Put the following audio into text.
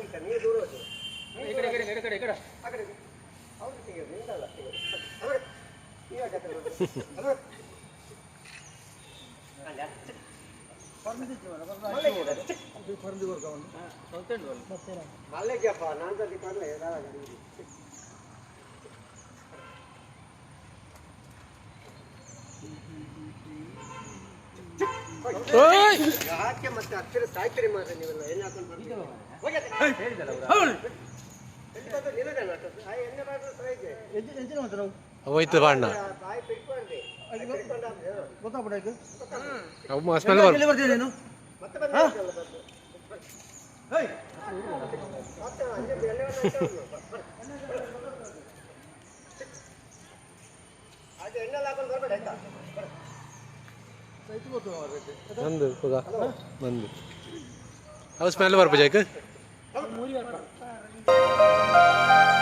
ನೀರು ದೂರ ಹೋಗಿ ಈ ಕಡೆ ಈ ಕಡೆ ಈ ಕಡೆ ಈ ಕಡೆ ಆ ಕಡೆ ಅವ್ರು ತೆಗೆಯೋದು ನಿಂತಲ್ಲ ತೆಗೆಯೋದು ಇವಾಗ ಮಲ್ಲಿಗೆಪ್ಪ ನಾನು ಸತಿ ಪರ್ಲೆ ಯಾಕೆ ಮತ್ತೆ ಅಕ್ಷರ ಸಾಯ್ತೀರಿ ಮಾತ್ರ ನೀವೆಲ್ಲ ಎಣ್ಣೆ ಹಾಕೊಂಡು ಹೋಯ್ತು ಬಾಣ್ಣ ಬಂದು ಬಂದು ಅವು ಸ್ಮೆಲ್ ಬರ್ಬೇಕು